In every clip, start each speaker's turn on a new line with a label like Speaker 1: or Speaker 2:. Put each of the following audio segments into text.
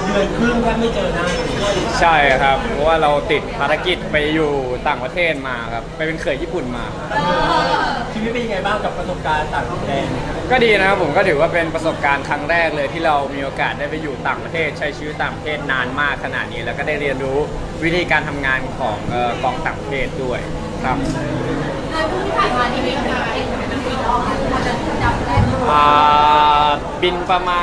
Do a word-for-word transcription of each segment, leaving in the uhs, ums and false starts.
Speaker 1: เดือนครึ่งแทบไม่เจอหน้า
Speaker 2: ใช่ครับเพราะว่าเราติดภารกิจไปอยู่ต่างประเทศมาครับไปเป็นเขยญี่ปุ่นมา
Speaker 1: ชีวิตเป็นยังไงบ้างกับประสบการณ์ต่างแดน
Speaker 2: ก็ดีนะครับผมก็ถือว่าเป็นประสบการณ์ครั้งแรกเลยที่เรามีโอกาสได้ไปอยู่ต่างประเทศใช้ชีวิตต่างประเทศนานมากขนาดนี้แล้วก็ได้เรียนรู้วิธีการทำงานของกองต่างประเทศด้วยครับ
Speaker 3: ที่ผ่านมาที่บินไปเองเป็นปีรอบพอจะจำได้
Speaker 2: บินประมาณ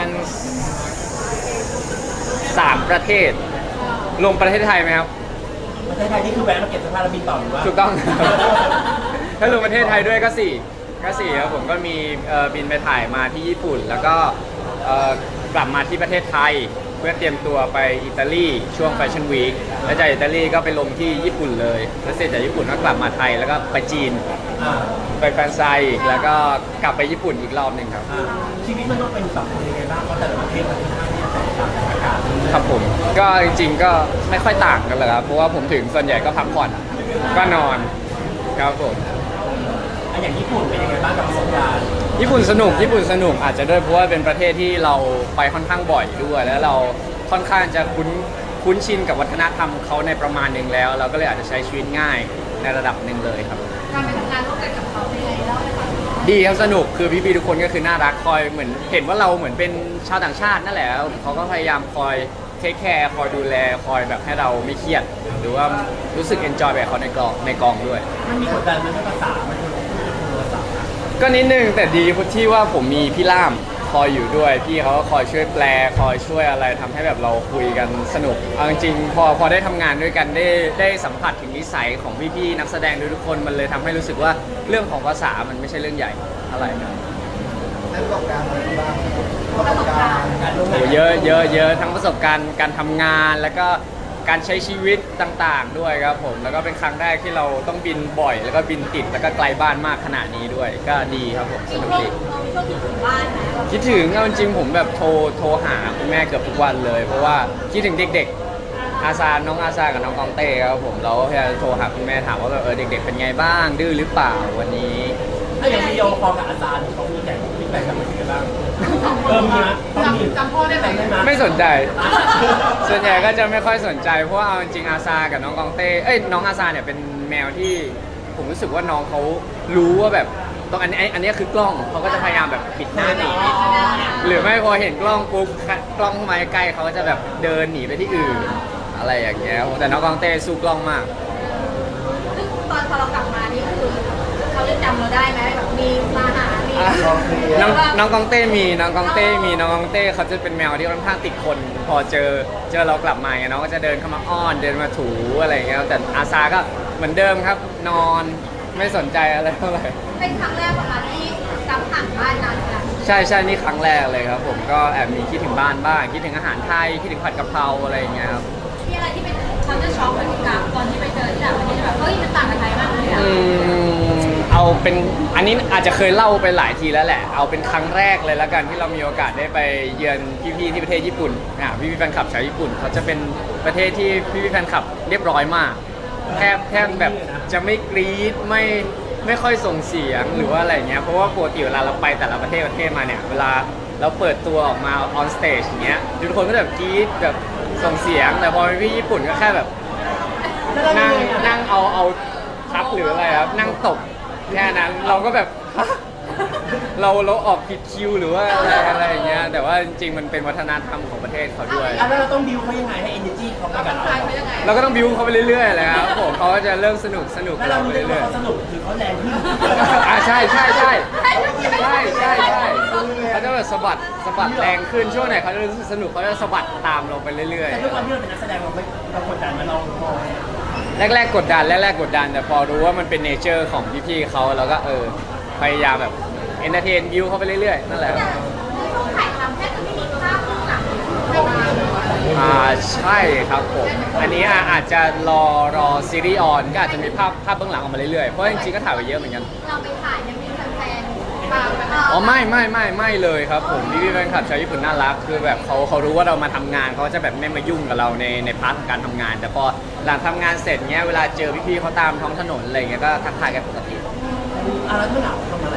Speaker 2: สามประเทศรวมประเทศไทยไหมครับ
Speaker 1: ประเทศไทยนี่คือแวะมาเก็บเสื้อผ้าแล้วบินต่อหรือว่า
Speaker 2: ถูกต้องถ้ารวมประเทศไทยด้วยก็สี่ก็สี่ครับผมก็มีบินไปถ่ายมาที่ญี่ปุ่นแล้วก็กลับมาที่ประเทศไทยเพื่อเตรียมตัวไปอิตาลีช่วงแฟชั่นวีคแล้วจากอิตาลีก็ไปลงที่ญี่ปุ่นเลยแล้วเสร็จจากญี่ปุ่นก็กลับมาไทยแล้วก็ไปจีนไปแฟนไซน์แล้วก็กลับไปญี่ปุ่นอีกรอบหนึ่งครับ
Speaker 1: ชีวิตมันต้องเป็นแบบยังไงบ้างเพราะแต่ละประเทศมันค่อนข้างที่จะแตกต่างกันอากาศ
Speaker 2: ครับผมก็จริงๆก็ไม่ค่อยต่างกันเลยครับเพราะว่าผมถึงส่วนใหญ่ก็พักผ่อนก็นอนครับผม
Speaker 1: อันอย่างญี่ปุ่นเป็นยังไงบ้างกับประสบการณ์
Speaker 2: ญี่ปุ่นสนุกญี่ปุ่นสนุกอาจจะด้วยเพราะว่าเป็นประเทศที่เราไปค่อนข้างบ่อยด้วยแล้วเราค่อนข้างจะคุ้นคุ้นชินกับวัฒนธรรมเขาในประมาณหนึ่งแล้ว เราก็เลยอาจจะใช้ชีวิตง่ายในระดับหนึ่งเลยครับ
Speaker 3: การไปทำงานร่วมกันกับเขาเป็นไงเล่าให้ฟัง
Speaker 2: ดีครับสนุกคือพี่ๆทุกคนก็คือน่ารักคอยเหมือนเห็นว่าเราเหมือนเป็นชาวต่างชาตินั่นแหละเขาก็พยายามคอยเทคแคร์คอยดูแลคอยแบบให้เราไม่เครียดหรือว่ารู้สึกเอนจอยแบบเขาในกองในกองด้วย
Speaker 1: มันมีกดดันมันภาษามันภาษา
Speaker 2: ก็นิดนึงแต่ดีที่ว่าผมมีพี่ล่ามคอยอยู่ด้วยพี่เขาก็คอยช่วยแปลคอยช่วยอะไรทำให้แบบเราคุยกันสนุกเอาจริงๆพอพอได้ทำงานด้วยกันได้ได้สัมผัสถึงนิสัยของพี่ๆนักแสดงทุกคนมันเลยทำให้รู้สึกว่าเรื่องของภาษามันไม่ใช่เรื่องใหญ่อะไรนะ
Speaker 4: ประสบการณ์อะไรบ้างประสบการณ์
Speaker 2: โอ้เยอะเยอะเยอะทั้งประสบการณ์การทำงานแล้วก็การใช้ชีวิตต่างๆด้วยครับผมแล้วก็เป็นครั้งแรกที่เราต้องบินบ่อยแล้วก็บินติดแล้วก็ไกลบ้านมากขนาดนี้ด้วยก็ดีครับผมสนุกดีคิดถึงเอาจริงผมแบบโทรโทรหาคุณแม่เกือบทุกวันเลยเพราะว่าคิดถึงเด็กๆอาซาน้องอาซากับน้องกองเต้ครับผมเราก็พยายามโทรหาคุณแม่ถามว่าแบบเออเด็กๆเป็นไงบ้างดื้อหรือเปล่าวันนี้
Speaker 1: ถ้าอย่างวิดีโอคอลกับอาจารย์เขามีแต่ฟีดแบ็กกลับมาเป็นไงบ้างเออมีนะ
Speaker 3: จำจำพ่อได้ไหม
Speaker 2: ไม่สนใจส่วนใหญ่ก็จะไม่ค่อยสนใจเพราะว่าเอาจริงอาซากับน้องกองเต้เอ้ยน้องอาซาเนี่ยเป็นแมวที่ผมรู้สึกว่าน้องเขารู้ว่าแบบตรงอันนี้อันนี้คือกล้องเขาก็จะพยายามแบบปิดหน้าหนีหรือไม่พอเห็นกล้องปุ๊บกล้องมาใกล้เขาก็จะแบบเดินหนีไปที่อื่นอะไรอย่างเงี้ยแต่น้องกองเต้สู้กล้องมาก
Speaker 3: ตอนพอเรากลับมานี่คือเขาจะจำเราได้ไหมแบบมีมาหามี
Speaker 2: น้องน้องกองเต้มีน้องกองเต้มีน้องกองเต้เขาจะเป็นแมวที่ค่อนข้างติดคนพอเจอเจอเรากลับมาเนี่ยน้องก็จะเดินเข้ามาอ้อนเดินมาถูอะไรอย่างเงี้ยแต่อาซาก็เหมือนเดิมครับนอนไม่สนใจอะไรเท่าไหร่
Speaker 3: เป็นครั้งแรกของเราที่กลับห่างบ้านนานขนาด
Speaker 2: ใช่ใช่นี่ครั้งแรกเลยครับผมก็แอบมีคิดถึงบ้านบ้างคิดถึงอาหารไทยคิดถึงผัดกะเพราอะไรอย่างเงี้ยครับ
Speaker 3: มีอะไรที่เป็นเขาจะช็อกเหมือนกับตอนที่ไปเจอที่ต่างประเทศแบบเฮ้ยมันต่างกับไทยมากเลยอะ
Speaker 2: เอาเป็นอันนี้อาจจะเคยเล่าไปหลายทีแล้วแหละเอาเป็นครั้งแรกเลยแล้วกันที่เรามีโอกาสได้ไปเยือนพี่ๆที่ประเทศญี่ปุ่นอ่าพี่ๆแฟนคลับชาวญี่ปุ่นเขาจะเป็นประเทศที่พี่ๆแฟนคลับเรียบร้อยมากแทบแทบแบบจะไม่กรี๊ดไม่ไม่ค่อยส่งเสียงหรือว่าอะไรเงี้ยเพราะว่าปกติเวลาเราไปแต่ละประเทศประเทศมาเนี่ยเวลาเราเปิดตัวออกมาออนสเตจอย่างเงี้ยทุกคนก็แบบกรี๊ดแบบส่งเสียงแต่พอพี่ญี่ปุ่นก็แค่แบบนั่งนั่งเอาเอาทับหรืออะไรครับนั่งตบแค่นั้นเราก็แบบเราเราออกผิดคิวหรือว่าอะไรอะไรอย่างเงี้ยแต่ว่าจริงๆมันเป็นวัฒนธรรมของประเทศเขาด้วย
Speaker 1: แล้วเราต้องบิวเขายังไงให้ energy เขาไปกับเรา
Speaker 2: เราก็ต้องบิวเขาไปเรื่อยๆเลยครับผมเขาก็จะเริ่มสนุกสนุก
Speaker 1: แล้วเราเรื่อยๆเขาสนุกคือเขาแรงขึ้น
Speaker 2: อ่าใช่ใช่ใช่ใช่ใช่ใช่ใช่เขาจะแบบสะบัดสะบัดแรงขึ้นช่วงไหนเขาจะรู้สึกสนุกเขาจะสะบัดตามเราไปเรื่อยๆ
Speaker 1: แต่ด้วยความที่เราเป็นนักแสดงเราไม่เรากดดันมาเราพอ
Speaker 2: แรกๆกดดันแรกๆกดดันแต่พอรู้ว่ามันเป็นเนเจอร์ของพี่ๆเขาเราก็เออพยายามแบบเอนเตอร์เทนวิวเขาไปเรื่อยๆนั่นแหละ
Speaker 3: ช่วงถ่ายทำแค่จะไม่มีภาพเบื้องหลัง
Speaker 2: อ่าใช่ครับผมอันนี้อาจจะรอรอซีรีส์ออนก็อาจจะมีภาพภาพเบื้องหลังออกมาเรื่อยๆเพราะจริงๆก็ถ่ายไปเยอะเหมือนกัน
Speaker 3: เราไปถ่ายยังมีแฟนๆตามไป
Speaker 2: อ๋อไม่ไม่ไม่ไม่เลยครับผมพี่ๆแฟนคลับชาวญี่ปุ่นน่ารักคือแบบเขาเขารู้ว่าเรามาทำงานเขาจะแบบไม่มายุ่งกับเราในในพาร์ทของการทำงานแต่พอหลังทำงานเสร็จเนี้ยเวลาเจอพี่ๆเขาตามท้องถนนอะไรเงี้ยก็ทักทายกันปกติ
Speaker 1: อะไรเมื่อหนาวทำอะไรอ่ะ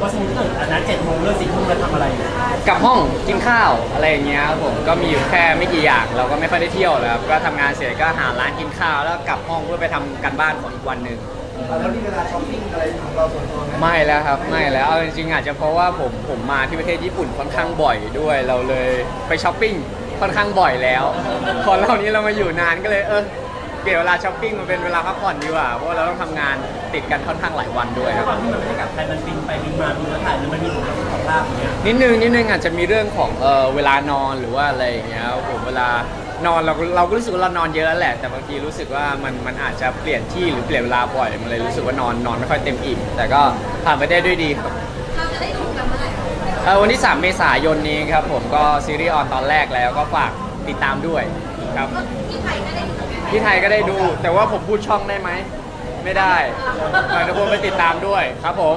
Speaker 1: ว่าสมมติเกิดอันนั้นเจ็ดโมงเลิกสี่ทุ่มแล้วทำอะไร
Speaker 2: กลับห้องกินข้าวอะไรอย่างเงี้ยครับผมก็มีอยู่แค่ไม่กี่อย่างเราก็ไม่ค่อยได้เที่ยวเลยครับก็ทำงานเสร็จก็หาร้านกินข้าวแล้วกลับห้องเพื่อไปทำการบ้านของอีกวันหนึ่ง
Speaker 4: แล้วนี่เวลาช้อปปิ้งอะไรของเราส่วนตัวไหม
Speaker 2: ไม่แล้วครับไม่แล้วเอาจริงๆอาจจะเพราะว่าผมผมมาที่ประเทศญี่ปุ่นค่อนข้างบ่อยด้วยเราเลยไปช้อปปิ้งค่อนข้างบ่อยแล้วพอเรานี้เรามาอยู่นานก็เลยเออเปลี่ยนเวลาช้อปปิ้งมาเป็นเวลาพักผ่อนดีกว่าเพราะว่าเราต้องทำงานติดกันค่อนข้างหลายวันด้วยครับ
Speaker 1: ตอนที่มันไม่ได้กลับไทยมันบินไปบินมาบินแล้วถ่ายแล้วมันมีผลกับสุขภาพอย่างเงี้ย
Speaker 2: นิดนึงนิดนึงอาจจะมีเรื่องของเออเวลานอนหรือว่าอะไรอย่างเงี้ยครับผมเวลานอนเราเราก็รู้สึกว่าเรานอนเยอะแล้วแหละแต่บางทีรู้สึกว่ามันมันอาจจะเปลี่ยนที่หรือเปลี่ยนเวลาบ่อยมันเลยรู้สึกว่านอนนอนไม่ค่อยเต็มอิ่มแต่ก็ผ่านไปได้ด้วยดีครับ
Speaker 3: เราจะได้ดูกันเมื่อไหร่
Speaker 2: เอ่อวันที่สามเมษายนนี้ครับผมก็ซีรีส์ออนตอนแรกแล้วก็ฝากติดตามด้วยครับ
Speaker 3: ก็ที่ไทยก็ได้ดูกัน
Speaker 2: ที่ไทยก็ได้ดู แต่ว่าผมพูดช่องได้ไหมไม่ได้ฝากทุกคนไปติดตามด้วยครับผม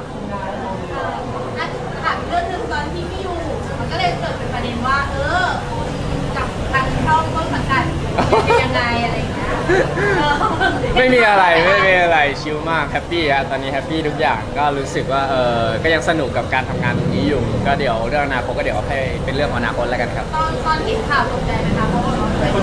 Speaker 3: อ่ะถามเรื่องหนึงตอนที่พี่อยู่มันก็เลยเกิดเป็นประเด็นว่า เออคุณกับทางช่องต้นสังกัดเป็นยังไงอะไรอย่างเงี้ยเออ
Speaker 2: ไม่มีอะไรไม่มีอะไรชิลมากแฮปปี้ฮะตอนนี้แฮปปี้ทุกอย่างก็รู้สึกว่าเออก็ยังสนุกกับการทำงานตรงนี้อยู่ ก็เดี๋ยวเรื่องอนาคตก็เดี๋ยวให้เป็นเรื่องของอนาคตแล้วกันครับ
Speaker 3: ตอนตอนเห็นข่าวตกใจไหมคะเพราะว่า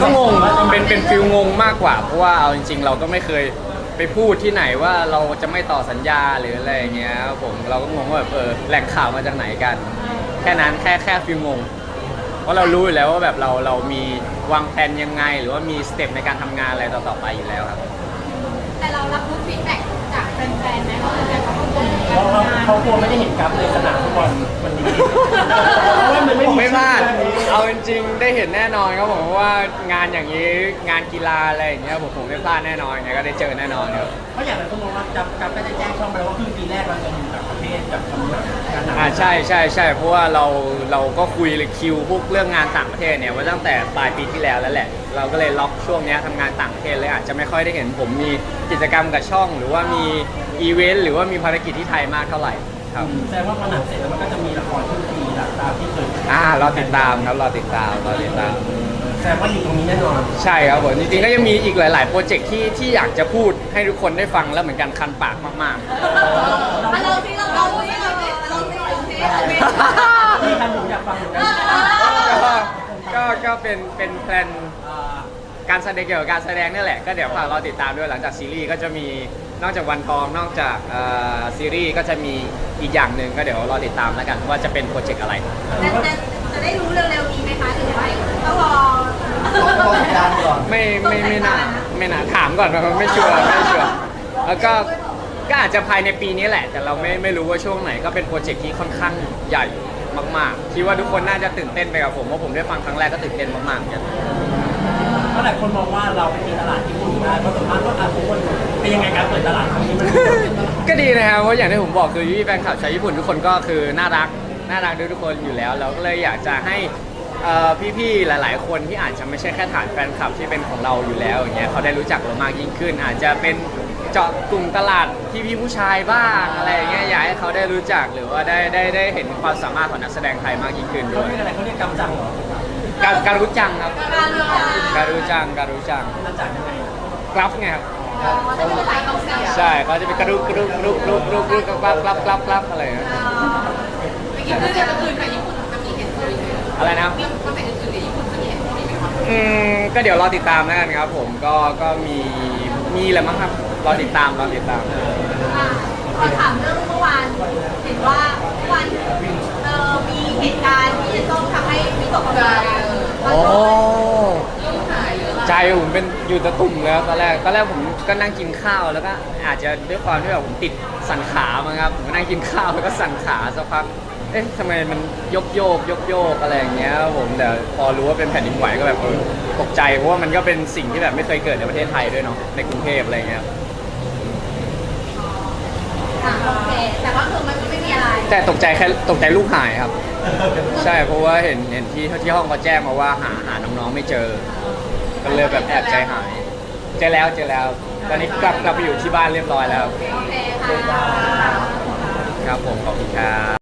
Speaker 2: ก็งงเป็นเป็นฟิลงงมากกว่า เพราะว่าเอาจริง ๆ เราก็ไม่เคยไปพูดที่ไหนว่าเราจะไม่ต่อสัญญาหรืออะไรอย่างเงี้ยครับผมเราก็งงว่าแบบเออแหล่งข่าวมาจากไหนกัน แค่นั้นแค่แค่ฟิลงงเพราะเรารู้อยู่แล้วว่าแบบเราเรามีวางแผนยังไง หรือว่ามีสเต็ปในการทำงานอะไรต่อๆไปอยู่แล้วครับ
Speaker 3: แต่เรารับรู้ฟีดแบ็กจากแฟนๆไหมเขาเป็นเขาก็บ่น
Speaker 1: เพราะเขาเขากลัวไม่ได้เห็นกราฟในสนามฟุตบอลวันนี้เพราะว่ามันไม่
Speaker 2: ผม
Speaker 1: มี
Speaker 2: ไม่พลาด
Speaker 1: ชื่อนี้
Speaker 2: เอาจริงๆได้เห็นแน่นอนครับผมเพราะว่างานอย่างนี้งานกีฬาอะไรอย่างเงี้ยผมผมไม่พลาดแน่นอนยังไงก็ได้เจอแน่นอนครับ
Speaker 1: เพราะอย่างไรก็มองว่ากราฟกราฟก็จะแจ้งช่องไปแล้วว่าครึ่งปีแรกเราจะอยู่ต่างประเทศกับทำงานการหนัง
Speaker 2: อ่าใช่ใช่ใช่เพราะว่าเราเราก็คุยเลยคิวพวกเรื่องงานต่างประเทศเนี่ยไว่าตั้งแต่ปลายปีที่แล้วแล้วแหละ เราก็เลยล็อกช่วงเนี้ยทำงานต่างประเทศเลยอาจจะไม่ค่อยได้เห็นผมมีกิจกรรมกับช่อง หรือว่ามีอีเวนต์หรือว่ามีภารกิจที่ไทยมากเท่าไหร่ครับ
Speaker 1: แสดงว่าพอหนังเสร็จแล้วมันก็จะมีละครครึ่งปีหลังตามที่เคย
Speaker 2: อ่ารอติดตามครับรอติดตามรอติดตาม
Speaker 1: แสดงว่าอยู่ตรงนี้แน่นอน
Speaker 2: ใช่ครับผมจริงๆก็ยังมีอีกหลาย ๆ โปรเจกต์ที่ที่อยากจะพูดให้ทุกคนได้ฟังแล้วเหมือนกันคันปากมาก
Speaker 3: เราเราที่เราเราที่เราเราที่เราที่เราที่
Speaker 1: ที่ท่านผมอยากฟังเหมือนกัน
Speaker 2: ๆ ก็ก็ก็เป็นเป็นแพลนการแสดงเกี่ยวกับการแสดงนี่แหละก็เดี๋ยวฝากเราติดตามด้วยหลังจากซีรีส์ก็จะมีนอกจากวันทองนอกจากเอ่อซีรีส์ก็จะมีอีกอย่างหนึ่งก็เดี๋ยวรอติดตามแล้วกันว่าจะเป็นโปรเจกต์อะไร
Speaker 3: จะจะจะได้รู้เร็วๆนี้ไหมคะหรือว่าต้องรอ
Speaker 4: ต้องรอสัญญาณก่อน
Speaker 2: ไม่ไม่ไม่น่าไม่น่าถามก่อนเพราะไม่ชัวร์ไม่ชัวร์แล้วก็ก็อาจจะภายในปีนี้แหละ แต่เราไม่ไม่รู้ว่าช่วงไหนก็เป็นโปรเจกต์ที่ค่อนข้างใหญ่มากๆคิดว่าทุกคนน่าจะตื่นเต้นไปกับผมเพราะผมได้ฟังครั้งแรกก็ตื่นเต้นมากๆเหมือนกัน
Speaker 1: เพราะหลายคนมองว่าเราไปตีตลาดญี่ปุ่นได้เพราะส่วนมากก็อาทุกคนเป็นยังไงการเปิดตลาดครั้งนี้มัน
Speaker 2: ก็ดีนะครับเพราะอย่างที่ผมบอกคือพี่แฟนคลับชาวญี่ปุ่นทุกคนก็คือน่ารักน่ารักด้วยทุกคนอยู่แล้วเราก็เลยอยากจะให้เอ่อพี่ๆหลาย ๆ คนที่อาจจะไม่ใช่แค่ฐานแฟนคลับที่เป็นของเราอยู่แล้วอย่างเงี้ยเขาได้รู้จักเรามากยิ่งขึ้น อาจจะเป็นเจาะกลุ่มตลาดพี่ๆผู้ชายบ้างอะไรอย่างเงี้ยอยากให้เขาได้รู้จักหรือว่าได้ได้ได้เห็นความสามารถของนักแสดงไทยมากยิ่งขึ้น
Speaker 1: เขา
Speaker 2: ด้วย
Speaker 1: เรียกอะไรเขาเรียกกำจังเหรอ
Speaker 2: การการรู้จังครับ
Speaker 3: การรู้จัก
Speaker 2: การรู้จังการรู้จัง
Speaker 1: กำจังยังไง
Speaker 2: กรับไงครับ
Speaker 3: จะเป็นสายของเสีย
Speaker 2: ใช่เขาจะเป็นกระดุกกระดุกกระดุกกระดุกกระดุกกระดุกกรับกรับกรับกรับอะไรนะ
Speaker 3: ไปกินมื้อเดียวกับคืนกับญี่ปุ่นจะมีเห็นเลย
Speaker 2: อะไรนะครับ
Speaker 3: มีคอนเสิร์ตอื่นๆในญี่ปุ่นจะมีเห็นไหมคะ
Speaker 2: อืมก็เดี๋ยวรอติดตามแล้วกันครับผมก็ก็มีมีแหละมั้งครับรอติดตามรอติดตาม
Speaker 3: อ่ะขอถามเรื่องเมื่อวานเห็นว่าเมื่อวานเอ่อมีเหตุการณ์ที่จะต้องทำให้วิตกกังวล
Speaker 2: โอ้ใจผมเป็นอยู่ตะตุ่มเลยครับตอนแรกตอนแรกผมก็นั่งกินข้าวแล้วก็อาจจะด้วยความที่แบบผมติดสั่นขามั้งครับผมก็นั่งกินข้าวแล้วก็สั่นขาสักพักเอ๊ะทำไมมันยกโยกยกโยกอะไรอย่างเงี้ยครับผมแต่พอรู้ว่าเป็นแผ่นดินไหวก็แบบเออตกใจเพราะว่ามันก็เป็นสิ่งที่แบบไม่เคยเกิดในประเทศไทยด้วยเนาะในกรุงเทพอะไรอย่างเงี้ย
Speaker 3: อ่ะโอเคแต่ว่าคือมันไม่มีอะไร
Speaker 2: แต่ตกใจแค่ตกใจลูกหายครับ ใช่เพราะว่าเห็นเห็นที่ที่ห้องเขาแจ้งมาว่าหาหาน้องๆไม่เจอ ก็เลยแบบแอบใจหาย เจอแล้วเจอแล้ว ตอนนี้กลับกลับไปอยู่ที่บ้านเรียบร้อยแล้ว
Speaker 3: โอเคค่ะ
Speaker 2: ครับผมขอบคุณครับ